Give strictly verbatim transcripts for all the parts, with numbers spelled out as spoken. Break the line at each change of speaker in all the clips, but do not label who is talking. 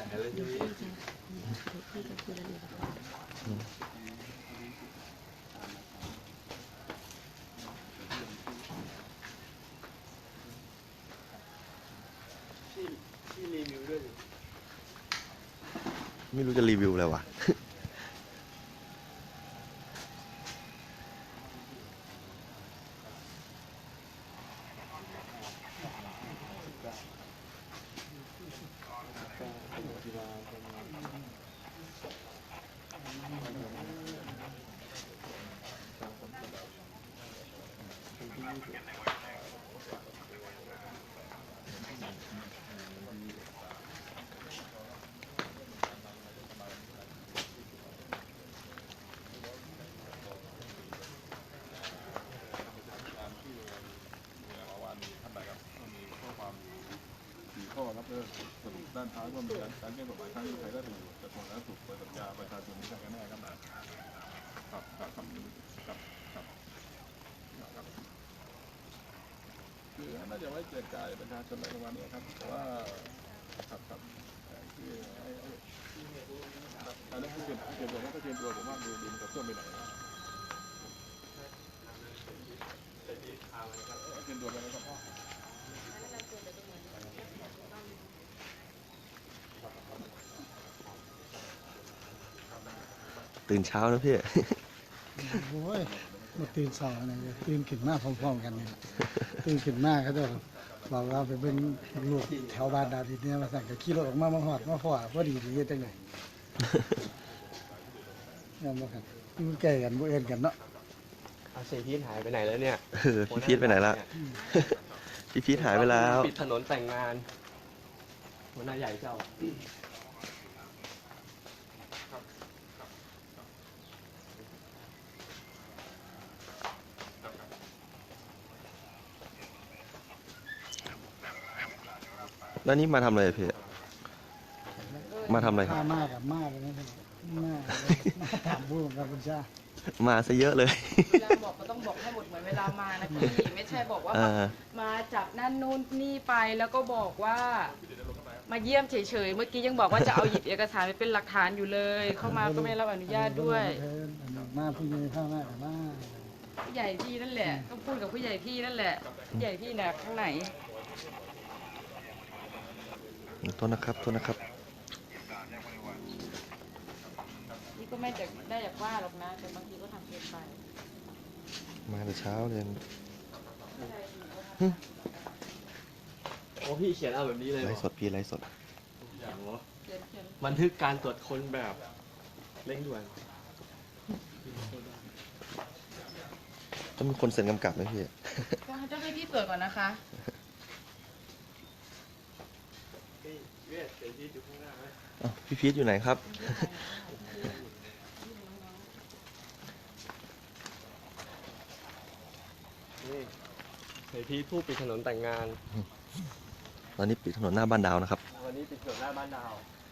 เดี๋ยวพี่จะเดี๋ยวพี่จะคุยรายละเอียดกับเขา
ไม่รู้จะรีวิวอะไรวะ
ข้อรับเรื่องสรุปด้านท้ายว่ามีการแก้กฎหมายทางไทยและถูกกระทรวงสาธารณสุขเปิดสัญญาประชาชนที่ทางกันแน่ครับครับครับครับครับครับคือน่าจะไว้แจกจ่ายประชาชนในประมาณนี้ครับแต่ว่าครับครับคือไอ้อันนี้ให้เตรียมเตรียมตัวให้เตรียมตัวผมว่าดูดีมันจะเคลื่อนไปไหนเตรียมตัวไปแล้วครับ
ตื่นเช้านะพี่
โอ้ยมาตื่นสายนะตื่นขึ้นมาพร้อมๆกันนี่ตื่นขึ้นมาเขาจะบอกว่าไปเป็นลูกแถวบ้านดาวดินเนี่ยมาสั่งกับขี่รถออกมามาหอดมาฟอดพอดีดีจังเลยเนี่ยมากันอยู่ใกล้กันบ่เอ็นกันเนาะ
อาเซพีทหายไปไหนแล้วเนี่ย
เออพี่พีทไปไหนละพี่พีทหายไปแล้ว
ปิดถนนแต่งงานหัวหน้าใหญ่เจ้า
แล้วนี่มาทำอะไรพี่มาทำอะไรครับ
มามากกับมากเลยนะมากมาถามผู้กับคุณชา
มาซะเยอะเลย
เวลาบอกก็ต้องบอกให้หมดเหมือนเวลามานะพี่ไม่ใช่บอกว่า
เออ
มาจับนั่นนู่นนี่ไปแล้วก็บอกว่ามาเยี่ยมเฉยๆเมื่อกี้ยังบอกว่าจะเอาหยิบเอกสารไปเป็นหลักฐานอยู่เลย เข้ามาก็ไม่รับอนุญาตด้วย
มาผู้ใหญ่ข้างหน้ากับมา
ผู้ใหญ่พี่นั่นแหละต้องพูดกับผู้ใหญ่พี่นั่นแหละผู้ใหญ่พี่น่ะข้างไหน
โทษนะครับโทษนะครับ
นี่ก็ไม่ได้ได้อยากว่าหรอกนะแต่บางทีก็ทำเกินไป
มาแต่เช้าเลย
โอ้พี่เขียนเอาแบบนี้เลย
ไลฟ์สดพี่ไลฟ์สด
อย่างวะ
เขียนเขียน
บันทึกการตรวจค้นแบบเร่งด่วน
ต้องมีคนเซ็นกำกับไหมพี่
ก็จะให้พี่ตรวจก่อนนะคะ
เวทเซพีทอยู่ข้างหน้าไหม
อ้าวพี่พีทอยู่ไหนครับ
นี่เซพีทผู้ปิดถนนแต่งงาน
ตอนนี้ปิดถนนหน้าบ้านดาวนะครับ
วันนี้ปิดถนนหน้าบ้านดาว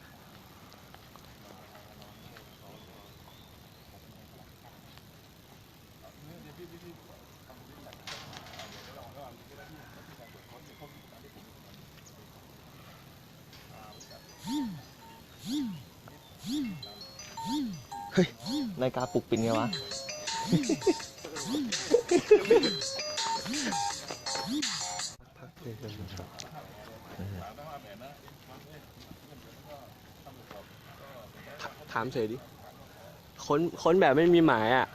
เฮ้ยนาฬิกาปลุกปิดไงวะ พักเลยครับ
ถามเฉยดิค้นค้นแบบไม่มีหมายอ่ะ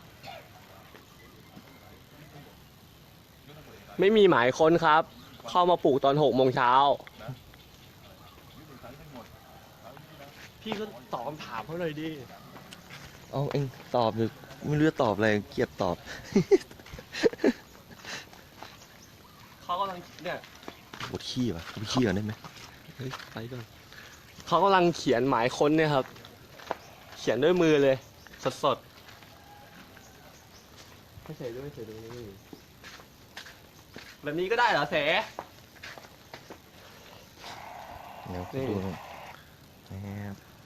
ไม่มีหมายค้นครับ เข้ามาปลูกตอนหกโมงเช้า พี่ก็ตอบคำถามเขาเลยดิ
เอาเองตอบหรือไม่รู้จะตอบอะไรเกลียดตอบ
เขากำลังเนี่ย
ปวดขี้วะไปขี้ก่อนได้ไหม
เฮ้ยไปก่อนเขากำลังเขียนหมายค้นเนี่ยครับ เขียนด้วยมือเลย สดสดไม่ใส่ด้วยไม่ใส่ด้วยนี่แบบนี้ก็ได้เหรอเส
เดี๋ยว
นี่
ดูหน่อยแอบ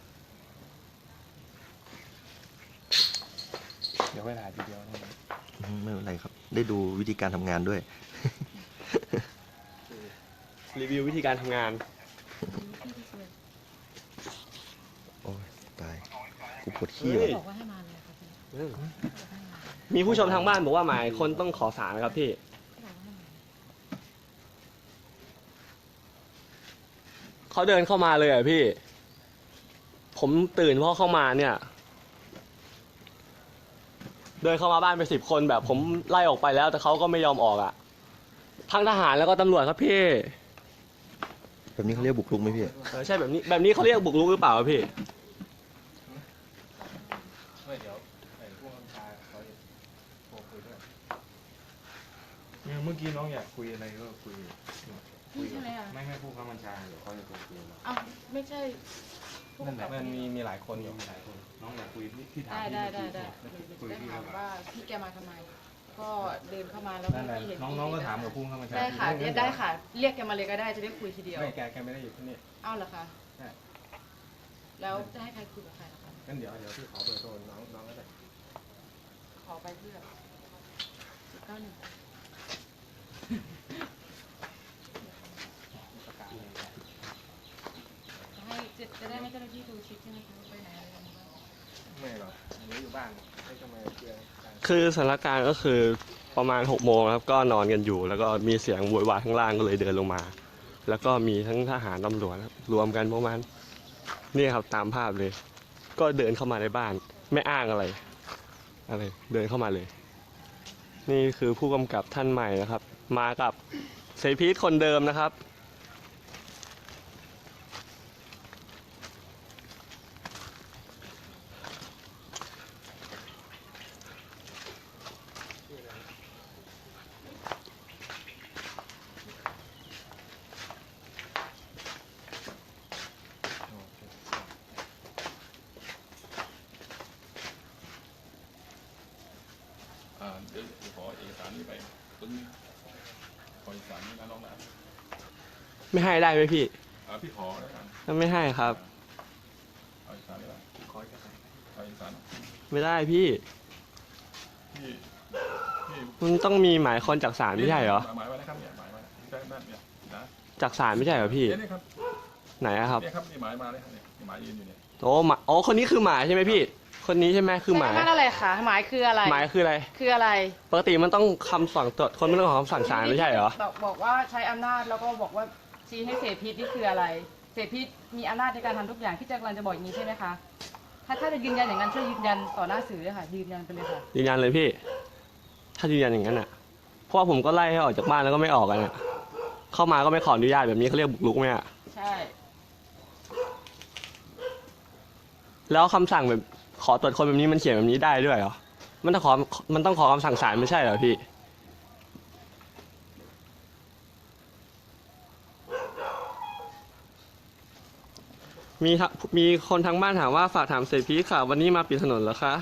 เดี๋ยวไปถ่ายทีเดียวนะ
อืมไม่เป็นไรครับ ได้ดูวิธีการทำงานด้วย
รีวิววิธีการทำงาน
กูปวดขี้
เฮ้
ว่ะ
ย
บอกว่าให้มาเลยค่ะพี่
เออมีผู้ชมทางบ้านบอกว่าหมายคนต้องขอสารนะครับพี่ เขาเดินเข้ามาเลยอ่ะพี่ ผมตื่นเพราะเข้ามาเนี่ย เดินเข้ามาบ้านไปสิบคนแบบ ผมไล่ออกไปแล้วแต่เขาก็ไม่ยอมออกอ่ะ ทั้งทหารแล้วก็ตำรวจครับพี่
แบบนี้เขาเรียกบุกรุกไหมพี่
เออใช่แบบนี้แบบนี้เขาเรียกบุกรุกหรือเปล่าครับพี่
ไม่เดี๋ยวไอ้พวกน้ำชาเขาจะโทรคุยด้วยเนี่ยเมื่อกี้น้องอยากคุยอะไรก็คุยคุย
ใช่ไหมอะ
ไม่ไม่พูดคำบัญชาเดี๋ยวเขาจะโทรคุยเรา
อ้าวไม่ใช่ผู้
นั่นแห
กำ
ละ
กับ
มันมีมีหลายคนอยู่มีหลายคน น้องอยากคุยที่ที่ถาม
ได้
ที่
ได้ได้
ที่
ได้
คุย
ได้
ที่
ถาม
เรา
ว่าพี่แกมาทำไม ก็เดินเข้ามาแล้ว
นั่นแหละ
พี่เห็น
น้องน้องก็ถามกับผู้คำบัญชา
ได้ค่ะได้ได้ค่ะ เรียกแกมาเลยก็ได้จะได้คุยทีเดียว
ไม่แกแกไม่ได้อยู่ที่นี่
เอ้าเหรอคะ
ใช่
แล้วจะให้ใครคุยกับใครล่ะคะ
งั้นเดี๋ยวเดี๋ยวพี่ขอเบอร์โทรน้องน้องก็ได้
ขอไปเพื่อสิบเก้าหนึ่ง
ประกาศเลย
ให้จะจะได้ไม่เจ้าหน้าที่ดูชิปใช่ไหมคะไปไหนอะไรยังไงบ้าง
ไม่หรอกหนูอยู่บ้านให้ทำไมเพื่อนกัน
คือสถานการณ์ก็คือประมาณหกโมงครับก็นอนกันอยู่ แล้วก็มีเสียงโวยวายข้างล่างก็เลยเดินลงมา แล้วก็มีทั้งทหารตำรวจครับรวมกันประมาณนี่ครับตามภาพเลย ก็เดินเข้ามาในบ้าน ไม่อ้างอะไรอะไร เดินเข้ามาเลย นี่คือผู้กำกับท่านใหม่นะครับ มากับเสพีทคนเดิมนะครับ
อ่าเดี๋ยวขอเอกสารนี้ไปตึ้งขอเอกสารนี้นะน้องนะ
ไม่ให้ได้ไหมพี่
อ่าพี่ขอแล้วกัน
ถ้าไม่ให้ครับ
เอาเอกสารนี้ละขอเอกสารเอาเอกสาร
ไม่ได้พี่
พี่พี่
มันต้องมีหมายคนจากศาลไม่ใช่เหรอ
หมายไว้นะครับเนี่ยหมายไว้ได้นั่นเนี่ยนะ
จากศาลไม่ใช่เหรอพี่
เนี่ยนี่ครับ
ไหนอะครับ
เนี่ยครับนี่หมายมาเลยครับเนี่ยนี่หมายยืนอยู่เนี่ย
โอ้หมายอ๋อคนนี้คือหมายใช่ไหมพี่ คนนี้ใช่ไหมคือหมาย
ใช่นั่นอะไรคะหมายคืออะไร
หมายคืออะไร
คืออะไร
ปกติมันต้องคำสั่งตรวจคนไม่ต้องขอคำสั่งศาลไม่ใช่เหรอ
บอกบอกว่าใช้อำนาจแล้วก็บอกว่าชี้ให้เสพีนี่คืออะไร เสพีมีอำนาจในการทำทุกอย่างที่จะกำลังจะบอกอย่างนี้ใช่ไหมคะ ถ้าถ้าจะยืนยันอย่างนั้นช่วยยืนยันต่อหน้าสื่อเลยค่ะ ยืนยันไปเลยค่ะ
ยืนยันเลยพี่ ถ้ายืนยันอย่างนั้นอ่ะ เพราะว่าผมก็ไล่ให้ออกจากบ้านแล้วก็ไม่ออกกันอ่ะ เข้ามาก็ไม่ขออนุญาตแบบนี้เขาเรียกบุกรุกไหมอ่ะ
ใช่
แล้วคำสั่งแบบขอตรวจคนแบบนี้มันเขียนแบบนี้ได้ด้วยเหรอ มันต้องขอ มันต้องขอคำสั่งศาลไม่ใช่เหรอพี่ มีทะมีคนทางบ้านถามว่าฝากถามเศรษฐีค่ะ วันนี้มาปิดถนนเหรอคะ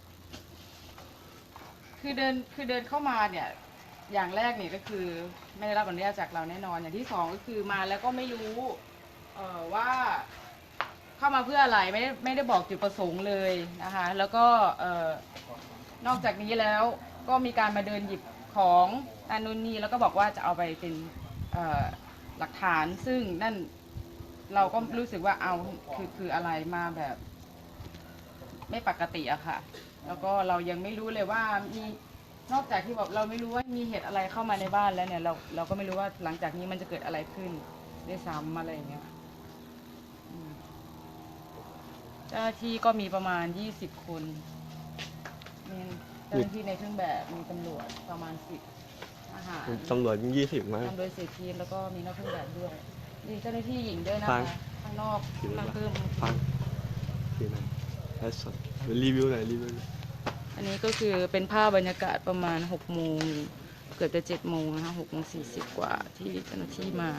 คือเดินคือเดินเข้ามาเนี่ย อย่างแรกเนี่ยก็คือไม่ได้รับอนุญาตจากเราแน่นอน อย่างที่สองก็คือมาแล้วก็ไม่รู้เอ่อว่าเข้ามาเพื่ออะไรไม่ได้ไม่ได้บอกจุดประสงค์เลยนะคะ แล้วก็เอ่อนอกจากนี้แล้วก็มีการมาเดินหยิบของนั่นนู่นนี่แล้วก็บอกว่าจะเอาไปเป็นเอ่อหลักฐาน ซึ่งนั่นเราก็รู้สึกว่าเอาคือคืออะไรมาแบบไม่ปกติอะค่ะ แล้วก็เรายังไม่รู้เลยว่ามีนอกจากที่แบบเราไม่รู้ว่ามีเหตุอะไรเข้ามาในบ้านแล้วเนี่ยเราเราก็ไม่รู้ว่าหลังจากนี้มันจะเกิดอะไรขึ้นด้วยซ้ำอะไรอย่างเงี้ยอืมเจ้าหน้าที่ก็มีประมาณยี่สิบคนมีเจ้าหน้าที่ในเครื่องแบบมีตำรวจประมาณสิบอาหาร
ตำรวจยี่สิบมั้ง
ทำโดยเศรษฐีแล้วก็มีนอกเครื่องแบบด้วยมีเจ้าหน้าที่หญิงด้วยนะ
ฟั
คะ
ง
ข้างนอกมาเพิ่ม
ฟังคืออะไรไลฟ์สดรีวิวหน่อยรีวิวหน่อย
อันนี้ก็คือเป็นภาพบรรยากาศประมาณหกโมงเกือบจะเจ็ดโมงนะคะหกโมงสี่สิบกว่าที่เจ้าหน้าที่มา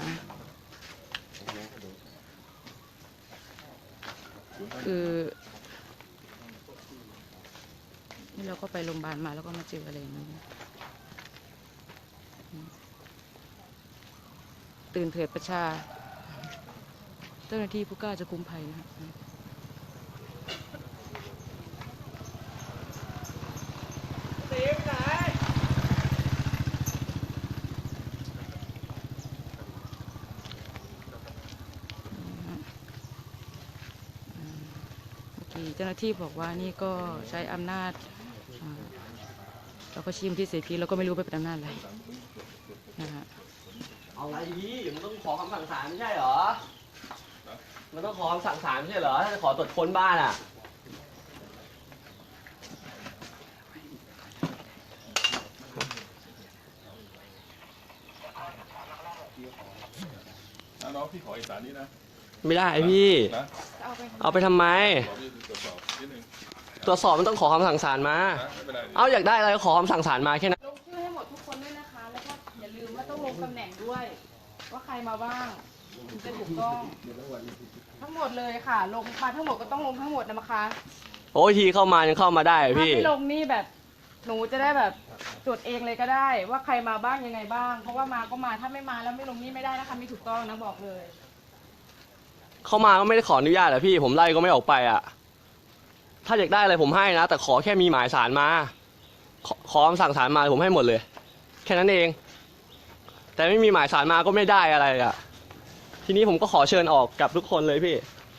คือนี่เราก็ไปโรงพยาบาลมาแล้วก็มาเจออะไรอย่างนี้ตื่นเถิดประชา เจ้าหน้าที่ผู้กล้าจะคุ้มภัยนะคะโอเคที่เจ้าหน้าที่บอกว่านี่ก็ใช้อำนาจอ่าเราก็ชิมที่เสพีเราก็ไม่รู้ไปเป็นอำนาจอะไรนะคะ
เอาอะไรพี่มันต้องขอคำสั่งศาลไม่ใช่เหรอ มันต้องขอคำสั่งศาลไม่ใช่เหรอ ถ้าจะขอตรวจค้นบ้านอ่ะ
นะน้องพี่ขอเอกสารนี้นะ
ไม่ได้พี่
นะ
เอาไป
เอาไปทำไม
ขอพี่ตรวจสอบนิดนึง
ตรวจสอบมันต้องขอคำสั่งศาลมา
นะไม่เป็นไร
เอาอยากได้อะไรก็ขอคำสั่งศาลมาแค่นั้น
ลงชื่อให้หมดทุกคนด้วยนะคะ แล้วก็อย่าลืมว่าต้องลงตำแหน่งด้วย ว่าใครมาบ้างถึงจะถูกต้อง ทั้งหมดเลยค่ะ ลงมาทั้งหมดก็ต้องลงทั้งหมดนะคะ
โอ้ยทีเข้ามายังเข้ามาได้
ถ้า
พี่
ไม่ลงนี่แบบหนูจะได้แบบจดเองเลยก็ได้ ว่าใครมาบ้างยังไงบ้าง เพราะว่ามาก็มาถ้าไม่มาแล้วไม่ลงนี่ไม่ได้นะคะไม่ถูกต้องนะบอกเลย
เข้ามาก็ไม่ได้ขออนุญาตอะพี่ ผมไล่ก็ไม่ออกไปอะถ้าอยากได้อะไรผมให้นะ แต่ขอแค่มีหมายสารมา ขอขอคำสั่งศาลมาผมให้หมดเลย แค่นั้นเอง แต่ไม่มีหมายสารมาก็ไม่ได้อะไรอะทีนี้ผมก็ขอเชิญออกกับทุกคนเลยพี่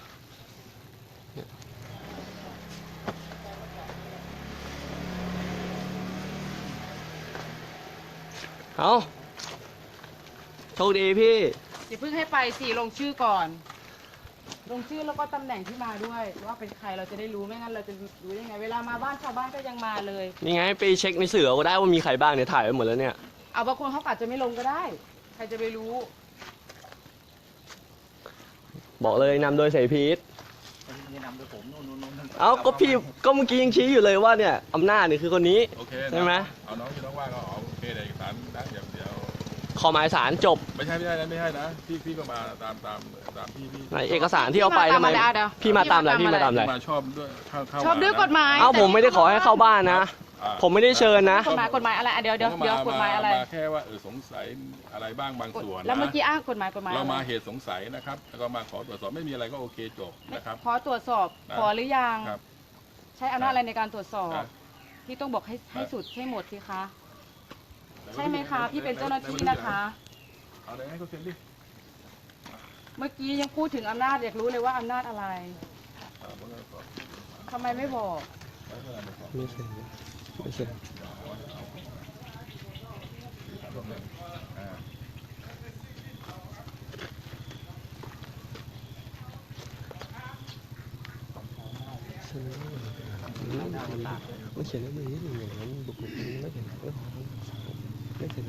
เอาโชคดีพี่
อย่าเพิ่งให้ไปสิลงชื่อก่อน ลงชื่อแล้วก็ตำแหน่งที่มาด้วย ว่าเป็นใครเราจะได้รู้ไม่งั้นเราจะรู้ได้ไง เวลามาบ้านชาวบ้านก็ยังมาเลย
นี่ไงไปเช็คในสื่อก็ได้ว่ามีใครบ้างเนี่ยถ่ายไว้หมดแล้วเนี่ย
เอาบางคนเขาอาจจะไม่ลงก็ได้ ใครจะไปรู้
บอกเลยนำโดยเสพีทเอ้าก็พี่ก็เมื่อกี้ยังชี้อยู่เลยว่าเนี่ยอำนาจเนี่ยคือคนนี้
โอเค
ใช่ไหม
เอาน้องที่น้องว่าก็เอาโอเคเอกสารนะเดี๋ยวเดี๋ยว
ขอหมายสารจบ
ไม่ใช่ไม่ใช่นะไม่ใช่นะพี่พี่ก็มาตามตามตามพี่พี่
ในเอกสารที่เอาไปทำไม
พี่มาตามอะไรอ่ะ
พี่มาตามอะไรพี่มาตามอะไร
มาชอบด้วยเข้าเข้า
ชอบด้วยกฎหมาย
เอ้าผมไม่ได้ขอให้เข้าบ้านนะ
อ่า
ผมไม่ได้เชิญนะ
กฎหมายกฎหมายอะไรอ่ะเดี๋ยวเดี๋ยว
ผม
เดี๋ยว
ก็
กฎหมายอะไร
มาแค่ว่าเออสงสัยอะไรบ้างบางส่วนนะ
แล้วเมื่อกี้อ้างกฎหมายกฎหมาย
เรา
อะไร
มาเหตุสงสัยนะครับ แล้วก็มาขอตรวจสอบไม่มีอะไรก็โอเคจบนะครับ
ขอตรวจสอบ
นะ
ขอหรือยัง
ครับ
ใช้อำนาจอะไรในการตรวจสอบ
ครับ
พี่ต้องบอกให้ให้สุดให้หมดสิคะ ใช่ไหมคะ พี่เป็นเจ้าหน้าที่นะคะ
เอาเลยให้เขาเซ็นดิ
เมื่อกี้ยังพูดถึงอำนาจอยากรู้เลยว่าอำนาจอะไร
อ่าผมก็ขอ
ทำไมไม่บอก
ไม่เชิญไม่เชิญ
อ่า
ไม่เขียนแล้วมือนิดหนึ่งอย่างนั้นบุกบุกไม่เขียนไม่ขอไม่เขียน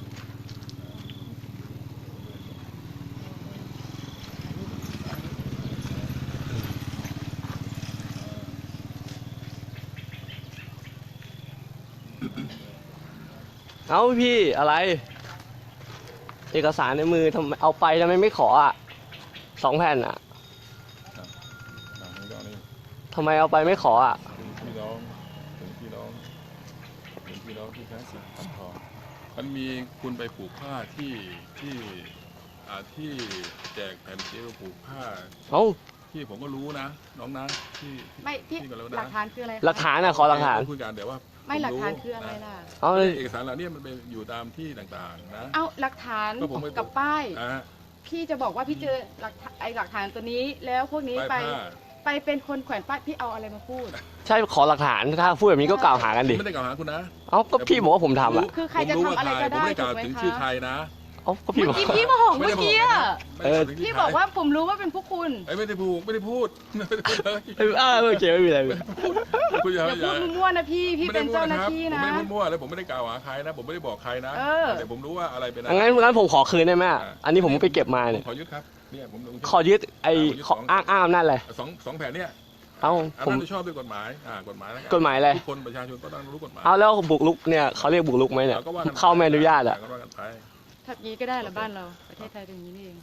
เอาพี่อะไร เอกสารในมือทำไมเอาไปทำไมไม่ขออ่ะสองแผ่นอ่ะ
อ่านี่ก็นี่
ทำไมเอาไปไม่ขออ่ะ
ถึงพี่น้องถึงพี่น้องถึงพี่น้องที่แท้สิทธิ์พันทองมันมีคุณไปผูกผ้าที่ที่อ่าที่แจกแผ่นเจลผูกผ้า
เอ้า
ที่ผมก็รู้นะ น้องนะที่ที่
ไม่พี่
ที่ก็แล้ว
หลั
นะ
กฐานคืออะไรคะ
หลักฐานอ่ะขอหลักฐาน
คุยกันแต่ว่า
ไม่หลักฐาน
ผ
คืออะไรล่ะ
เอา
นะ
เลย
เอกสารเหล่านี้มันไปอยู่ตามที่ต่างๆนะ
เอาหลักฐาน
ก็ผมไม่
กับป้าย
อ่า
พี่จะบอกว่าพี่เจอหลักฐานไอหลักฐานตัวนี้ แล้วพวกนี้
ป้าย
ไป
ผ้า
ไปเป็นคนแขวนป้ายพี่เอาอะไรมาพูด
ใช่ขอหลักฐานถ้าพูดแบบนี้ก็กล่าวหากันดิ
ไม่ได้กล่าวหาคุณนะ
เอ้าก็พี่บอกว่าผมทำอ่ะ
คือใครจะทำอะไรก็ได้
ผมไม่กล่าว
ถูกไหม
ถึง
คะ
ชื่อใครนะ
เอ้าก็พี่
เมื่
บ
อ
อก
กี้พี่มาหอง
ไม่
เมื่
ได้
อกี้อะ
ไม่ได้บอกถึง
พี่
ชื่ใคร
บอกว่าผมรู้ว่าเป็นพวกคุณ
เอ้ยไม่ได้พูดไม่ได้พูดไม่ได้พูดเลย
เอออ่าโอเคไม่มีอะไร
คุณอย่า
อย่า
อย่า
พูดมั่วๆนะพี่พี่เป็นเจ้าหน้าที่
ผม
นะ
ไม่ได้พูดมั่วแล้วผมไม่ได้กล่าวหาใครนะ ผมไม่ได้บอกใครนะ
เออ
แต่ผมรู้ว่าอะไรเป็นอะ
งั้นงั้นผมขอคืนได้ไหมอะอันนี้ผมไปเก็บมา
ผ
เนี่ย
มขอยึดครับเนี่ยผมลง
ขอยึดไอ้ขออ้างอ้างนั่นเลย
สองสองแผ่นเนี่ย
เอ้า
อัน
ผม
นั้นชอบด้วยกฎหมายอ่ากฎหมายแล้วน
กฎหมายอะไร
ทุกคนประชาชนก็ต้องรู้กฎหมาย
เอาแล้วบุกลุกเนี่ยเขาเรียกบุกลุกไหมเนี่ย
เราก็ว่ากัน
เข้าไม่อนุญาตอ่ะ
ก็ว่ากันไป
ทับยี้ก็ได้เหรอบ้านเราประเทศไทยเป็นอย่างนี้นี่เอง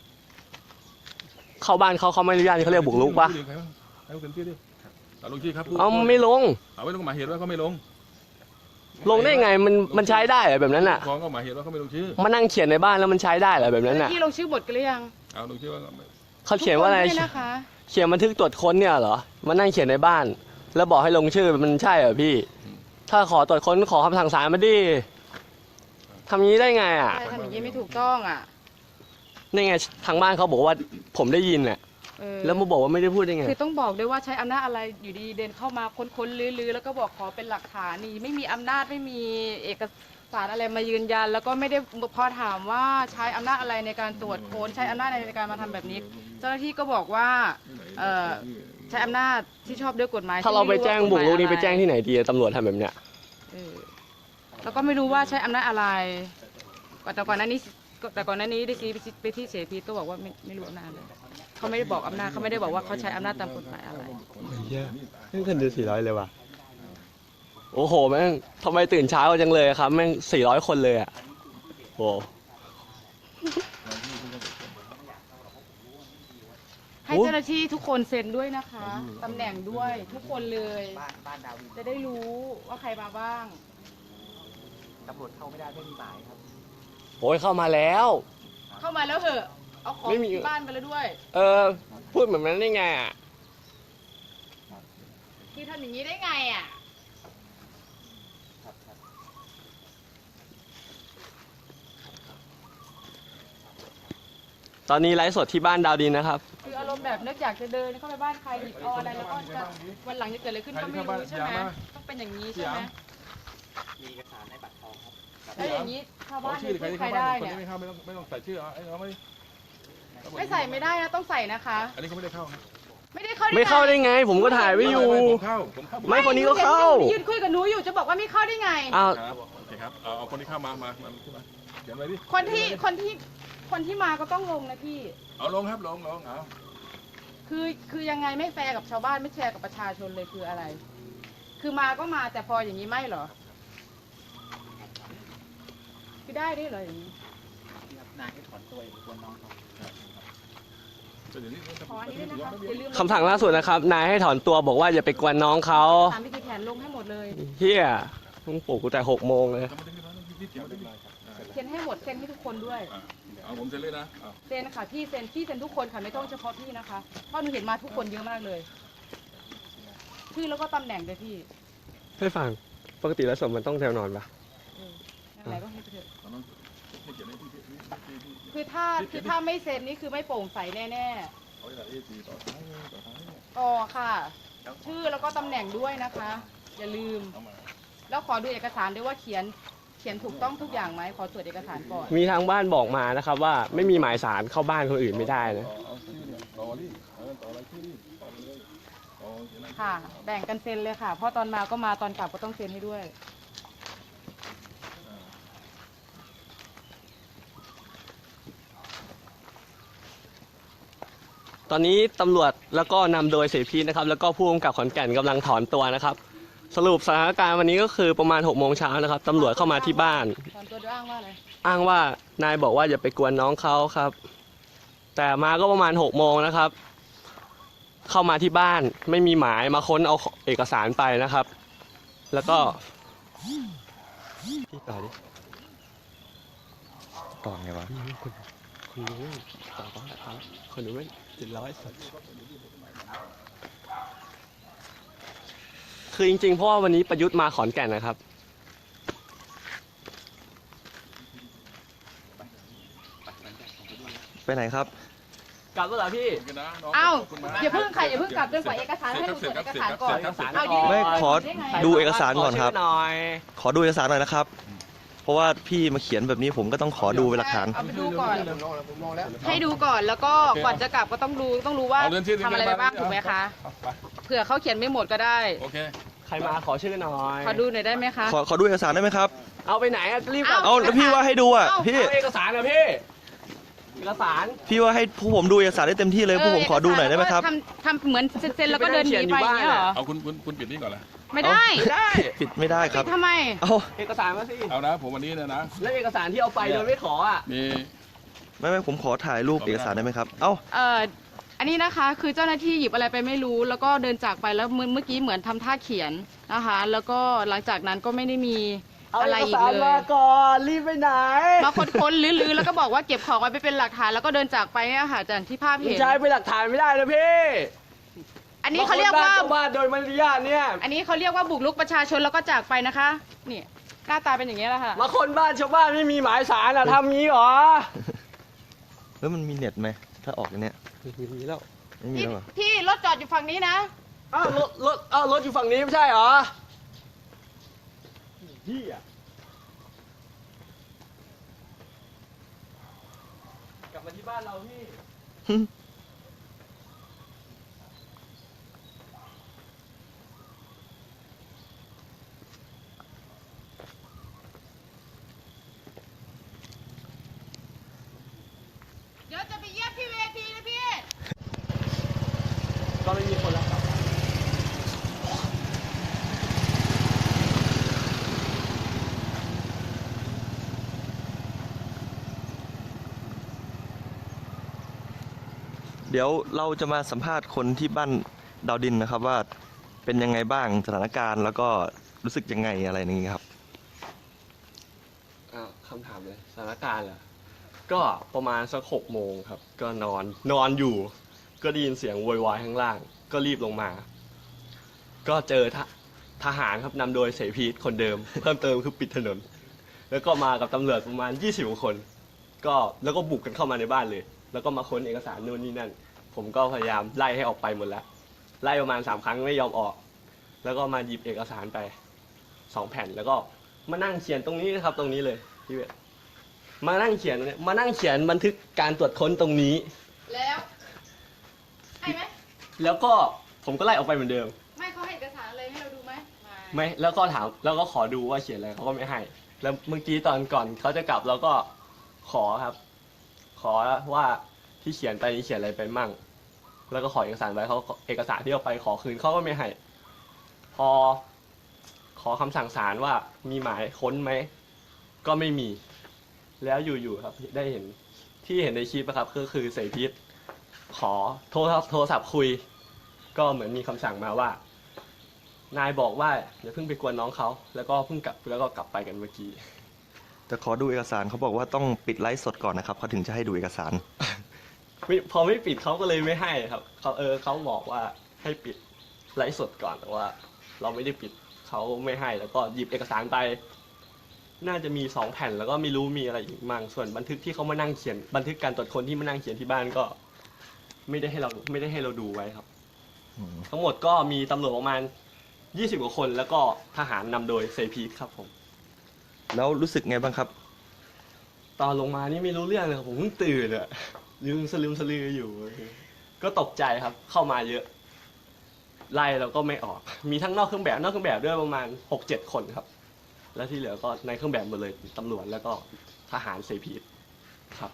เข้าบ้านเขาเขาไม่อนุญาตเขาเรียกบุกลุกปะ
ใครบ้างให้เขาเซ็นชื่อดิเอาลงชื่อครับ
เอาไม่ลง
เอาไว้ลงหมายเหตุว่าเขาไม่ลง
ลงได้ไงมันมันใช้ได้เหรอแบบนั้นอ่ะ
ฟ้องก็หมายเหตุว่าเขาไม่ลงชื่อ
มานั่งเขียนในบ้านแล้วมันใช้ได้เหรอแบบนั้นอ่ะ
พี่ลงชื่อบทกันหรือยัง
เอาลงชื่อว่า
เขาเขียนว่าอะไร
ทุกคด้วยนะคะ
เขียนบันทึกตรวจค้นเนี่ยเหรอมานั่งเขียนในบ้าน แล้วบอกให้ลงชื่อมันใช่เหรอพี่ ถ้าขอตรวจค้นขอคำสั่งศาลมาดิทำงี้ได้ไงอ่ะ
ใช่ทำอย่างนี้ไม่ถูกต้องอ่ะ
นี่ไงทางบ้านเขาบอกว่าผมได้ยินอ่ะ
เอเออ
แล้วมาบอกว่าไม่ได้พูดได้ไง
คือต้องบอกด้วยว่าใช้อำนาจอะไรอยู่ดีเดินเข้ามาค้นๆลื้อๆแล้วก็บอกขอเป็นหลักฐานนี่ไม่มีอำนาจไม่มีเอกสารอะไรมายืนยัน แล้วก็ไม่ได้พอถามว่าใช้อำนาจอะไรในการตรวจค้นใช้อำนาจอะไรในการมาทำแบบนี้ เจ้าหน้าที่ก็บอกว่าเอ่อใช้อำนาจที่ชอบด้วยกฎหมาย
ถ้าเราไปแจ้งบุกรุกนี่ไปแจ้ง
ที่
ที่ไหนดีอะตำรวจทำแบบเนี้ย
เออแล้วก็ไม่รู้ว่าใช้อำนาจอะไรแต่ก่อนหน้านี้แต่ก่อนหน้านี้ได้ซีไปที่เสพีก็บอกว่าไม่ไม่รู้อำนาจเลยเขาไม่ได้บอกอำนาจเขาไม่ได้บอกว่าเขาใช้อำนาจตามกฎหมายอะไร
นี่เงินเดือนสี่ร้อยเลยว่ะ โอ้โหแม่งทำไมตื่นเช้าจังเลยครับแม่งสี่ร้อยคนเลยอ่ะโอ้
ให้เจ้าหน้าที่ทุกคนเซ็นด้วยนะคะตำแหน่งด้วยทุกคนเลยจะได้รู้ว่าใครมาบ้าง
โหเข้ามาแล้ว
เข้ามาแล้วเหอะเอาของ
ไม่มี
ที่บ้านไปแล้วด้วย
เออ พูดแบบนั้นได้ไงอ่ะ
ที่ทำอย่างนี้ได้ไงอ่ะ
ตอนนี้ไลฟ์สดที่บ้านดาวดินนะครับ
คืออารมณ์แบบนึกอยากจะเดินเข้าไปบ้านใครหยิบเอาอะไรแล้วก็จะวันหลังจะเกิดอะไรขึ้นก็ไม่รู้ใช่ไหมต้องเป็นอย่างนี้ใช่ไหมมีเอกสารในบัตรทองครับแล้วอย่างนี้ชาวบ้าน
ชื่อใคร
ไม่
ที่
ใคร
เข้าบ้า
ได้
นคน
เนี่ย
นี้ไม่เข้าไม่ต้องไม่ต้องใส่ชื่อเอาไอ้เราไม่
ไม่ใส่ไม่ได้นะต้องใส่นะคะ
อันนี้เขาไม่ได้เข้าครับ
ไม่ได้เข้า
ไม่เข้าได้ไง ผมก็ถ่ายไว้อยู่
ผมเข้าผมเข้า
ไม่คนนี้ก็เข้า
ยืนคุยกับหนูอยู่จะบอกว่าไม่เข้าได้ไง
อ้าว
ครับโอเคครับเอาเอาคนที่เข้ามามามาขึ้นมาเขียนไว้ดิ
คนที่คนที่คนที่มาก็ต้องลงนะพี่
เอาลงครับลงลงเอา
คือคือยังไงไม่แฟร์กับชาวบ้านไม่แชร์กับประชาชนเลยคืออะไร คือมาก็มาแต่พออย่างนี้ไม่เหรอคือได้ด้วยเหรออย่างนี้
แต่เดี๋ยวนี้
ขออันนี้ด้วยนะคะอย่าลืม
คำสั่งล่าสุดนะครับ นายให้ถอนตัวบอกว่าอย่าไปกวนน้องเขา
ตามวิธีแผนลงให้หมดเลย
เฮียต้องปลุกกูแต่หกโมงเลย
ทำไมถึงได้มาที่เขียนไว้ดิ
เซ็นให้หมดเซ็นให้ทุกคนด้วย
อ่ะเอาผมเซ็นเลยนะเอา
เซ็นค่ะพี่เซ็นพี่เซ็นทุกคนค่ะไม่ต้องเฉพาะพี่นะคะเพราะหนูเห็นมาทุกคนเยอะมากเลยชื่อแล้วก็ตำแหน่งเลยพี่
ให้ฟัง ปกติแล้วสมมันต้องแนวนอนปะ
เออนั่นแหละก็ให้ไปเถอะ
เอาน้องให้เขียนให้ที่ที่ที่ที่ที่
คือถ้าคือถ้าไม่เซ็นนี่คือไม่โปร่งใสแน่
เอาไว้ละเอซีต่อท้ายต่อท้ายเนี่ย
ๆอ๋อค่ะ ชื่อแล้วก็ตำแหน่งด้วยนะคะ อย่าลืม
เอามา
แล้วขอดูเอกสารด้วยว่าเขียนเขียนถูกต้องทุกอย่างไหมขอตรวจเอกสารก่อน
มีทางบ้านบอกมานะครับว่าไม่มีหมายสารเข้าบ้านคนอื่นไม่ได้นะ
ต่อเอาชื่อเนี่ยต่อดิเอาต่ออะไรชื่อดิต่อไปเลยต่อเขียนอะไร
ค่ะ แบ่งกันเซ็นเลยค่ะ เพราะตอนมาก็มาตอนกลับก็ต้องเซ็นให้ด้วย
ตอนนี้ตำรวจแล้วก็นำโดยเสพีนะครับ แล้วก็ผู้กำกับขอนแก่นกำลังถอนตัวนะครับ สรุปสถานการณ์วันนี้ก็คือประมาณหกโมงเช้านะครับตำรวจเข้ามาที่บ้าน
ตอนตัวด้วยอ้างว่าอะไร
อ้างว่านายบอกว่าอย่าไปกวนน้องเขาครับ แต่มาก็ประมาณหกโมงนะครับ เข้ามาที่บ้านไม่มีหมายมาค้นเอาเอกสารไปนะครับ แล้วก็พี่ต่อดิ
ต่อไงวะ
คุณคุณรู้ต่อต่อครับคนรู้ไม่เจ็ดร้อยสัตคือจริงๆเพราะว่าวันนี้ประยุทธ์มาขอนแก่นนะครับ
ไปไหนครับ
กลับแล้วเหรอพี่
ขบคุณนะน้ง
เอ้า
ขบคุณมก
อย่าเพิ่งค่ะอย่าเพิ่งกลับจนกว่าเอกสารให้หนูตรวจเอกสารก่อน
เสร็จครับ
เอายืน
ไม่ขอ
ได้ไง
ดูเอกสารก่อนครับ
ขชื่หน่อย
ขอดูเอกสารหน่อยนะครับ เพราะว่าพี่มาเขียนแบบนี้ผมก็ต้องขอดูเป็นหลักฐาน
เอาไปดูก่อน ให้ดูก่อนแล้วก็ก่อนจะกลับก็ต้องดูต้องรู้ว่า
เอาเรื่องที่
ทำอะไรไปบ้างถูกไหมคะ
เอาไป
เผื่อเขาเขียนไม่หมดก็ได้
โอเค
ใครมาขอชื่อหน่อย
ขอดูหน่อยได้ไหมคะ
ขอขอดูเอกสารได้ไหมครับ
เอาไปไหนอะรีบกลับ
เอ้า
เอาแล้วพี่ว่าให้ดูอ่ะ
เอ้า
พี่
เอาเอกสารนะพี่ เอกสาร
พี่ว่าให้ผู้ผมดูเอกสารได้เต็มที่เลยผู้ผมขอดูหน่อยได้ไหมครับ
ทำทำเหมือนเซ็นๆแล้วก็เดินหนีไปอย่างเงี้ยเหรอ
เอาคุณคุณคุณปิดนี่ก่อนละ
ไม่ได้
ได้
ปิดไม่ได้ครับ
ปิดทำไม
เอา
เอกสารมาสิ
เอานะ ผมวันนี้เนี่ยนะ
แล้วเอกสารที่เอาไปโดยไม่ขออ่ะ
มี
ไม่ไม่ผมขอถ่ายรูปเอกสารได้ไหมครับ เอ้า
เอ่ออันนี้นะคะคือเจ้าหน้าที่หยิบอะไรไปไม่รู้ แล้วก็เดินจากไปแล้วเมื่อเมื่อกี้เหมือนทำท่าเขียนนะคะ แล้วก็หลังจากนั้นก็ไม่ได้มี
เอา
อะไร
เอก
อีก
สาร
เล
มาย ก่อนรีบไปไหน
มาค้นๆลื้อๆแล้วก็บอกว่าเก็บของไว้ไปเป็นหลักฐานแล้วก็เดินจากไปเนี่ยค่ะจากที่ภาพ
ไม่
เห็น
ใช้เป็นหลักฐานไม่ได้นะพี่
อันนี้เขาเรียกว่า
บงคนบ้นชบ้านโดยมารยาทเนี่ย
อันนี้เขาเรียกว่าบุกรุกประชาชนแล้วก็จากไปนะคะนี่หน้าตาเป็นอย่างนี้ยแหละค่ะ
มาคนบ้านชาวบ้านไม่มีหมายสารอ่ะทำงี้เหรอ
แล้วมันมีเน็ตไหมถ้าออกอย่างเนี้ย
มีแล้ว
มไม่มี
พี่
แล้วเหรอ
พี่รถจอดอยู่ฝั่งนี้นะ
อ้าวรถรถอ้าวรถอยู่ฝั่งนี้ไม่ใช่เหรอพี่อะกลับมาที่บ้านเราพี่
เดี๋ยวจะไปเยี่ยมที่เวทีนะพี่
ก็ไม่มีคนรับกลับบ้าน
เดี๋ยวเราจะมาสัมภาษณ์คนที่บ้านดาวดินนะครับว่าเป็นยังไงบ้างสถานการณ์แล้วก็รู้สึกยังไงอะไรอย่างนี้ครับ
อ้าวคำถามเลยสถานการณ์เหรอก็ประมาณสักหกโมงครับ ก็นอนนอนอยู่ ก็ได้ยินเสียงโวยวายข้างล่าง ก็รีบลงมา ก็เจอทหทหารครับนำโดยเสพีทคนเดิม เพิ่มเติมคือปิดถนน แล้วก็มากับตำรวจประมาณยี่สิบกว่าคน ก็แล้วก็บุกกันเข้ามาในบ้านเลย แล้วก็มาค้นเอกสารนู่นนี่นั่น ผมก็พยายามไล่ให้ออกไปหมดแล้ว ไล่ประมาณสามครั้งไม่ยอมออก แล้วก็มาหยิบเอกสารไปสองแผ่น แล้วก็มานั่งเขียนตรงนี้นะครับ ตรงนี้เลยพี่เวทมานั่งเขียนเนี่ยมานั่งเขียนบันทึกการตรวจค้นตรงนี้
แล้วให้ไหม
แล้วก็ผมก็ไล่ออกไปเหมือนเดิม
ไม่เขาให้เอกสารอะไรให้เราดูไหม
ไม่แล้วก็ถามแล้วก็ขอดูว่าเขียนอะไรเขาก็ไม่ให้ แล้วเมื่อกี้ตอนก่อนเขาจะกลับเราก็ขอครับ ขอว่าที่เขียนไปนี่เขียนอะไรไปมั่ง แล้วก็ขอเอกสารไว้เขาเอกสารที่เอาไปขอคืนเขาก็ไม่ให้ พอขอคำสั่งศาลว่ามีหมายค้นไหมก็ไม่มี แล้วอยู่ๆครับได้เห็นที่เห็นในคลิปนะครับก็คือเสยพิษขอโทรศัพท์โทรศัพท์คุย ก็เหมือนมีคำสั่งมาว่า นายบอกว่าอย่าเพิ่งไปกวนน้องเขาแล้วก็เพิ่งกลับแล้วก็กลับไปกันเมื่อกี้
แต่ขอดูเอกสารเขาบอกว่าต้องปิดไลฟ์สดก่อนนะครับเขาถึงจะให้ดูเอกสาร
ไม่พอไม่ปิดเขาก็เลยไม่ให้ครับเขาเออเขาบอกว่าให้ปิดไลฟ์สดก่อนแต่ว่า เราไม่ได้ปิดเขาไม่ให้แล้วก็หยิบเอกสารไป น่าจะมีสองแผ่นแล้วก็ไม่รู้มีอะไรอีกมั่งส่วนบันทึกที่เขามานั่งเขียนบันทึกการตรวจคนที่มานั่งเขียนที่บ้านก็ ไม่ได้ให้เราไม่ได้ให้เราดูไว้ครับ
อืม
ทั้งหมดก็มีตำรวจประมาณยี่สิบกว่าคนแล้วก็ทหารนำโดยเซพีครับผม
แล้วรู้สึกไงบ้างครับ
ตอนลงมานี่ไม่รู้เรื่องเลยครับผมเพิ่งตื่นอะลืมสลืมสลืออยู่ ก็ตกใจครับเข้ามาเยอะ ไล่เราก็ไม่ออก มีทั้งนอกเครื่องแบบนอกเครื่องแบบด้วยประมาณหกเจ็ดคนครับ แล้วที่เหลือก็ในเครื่องแบบหมดเลยตำรวจแล้วก็ทหารเซพีครับ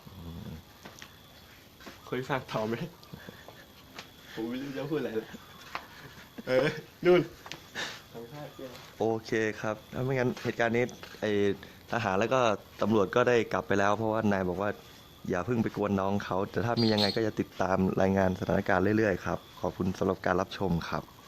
เคยฟังต่อไหมผมไม่รู้จะพูดอะไรเลยเออนู่นทำท่าเกี้ย
โอเคครับถ้าไม่งั้นเหตุการณ์นี้ไอทหารแล้วก็ตำรวจก็ได้กลับไปแล้ว เพราะว่านายบอกว่าอย่าเพิ่งไปกวนน้องเขาแต่ถ้ามียังไงก็จะติดตามรายงานสถานการณ์เรื่อยๆครับขอบคุณสำหรับการรับชมครับ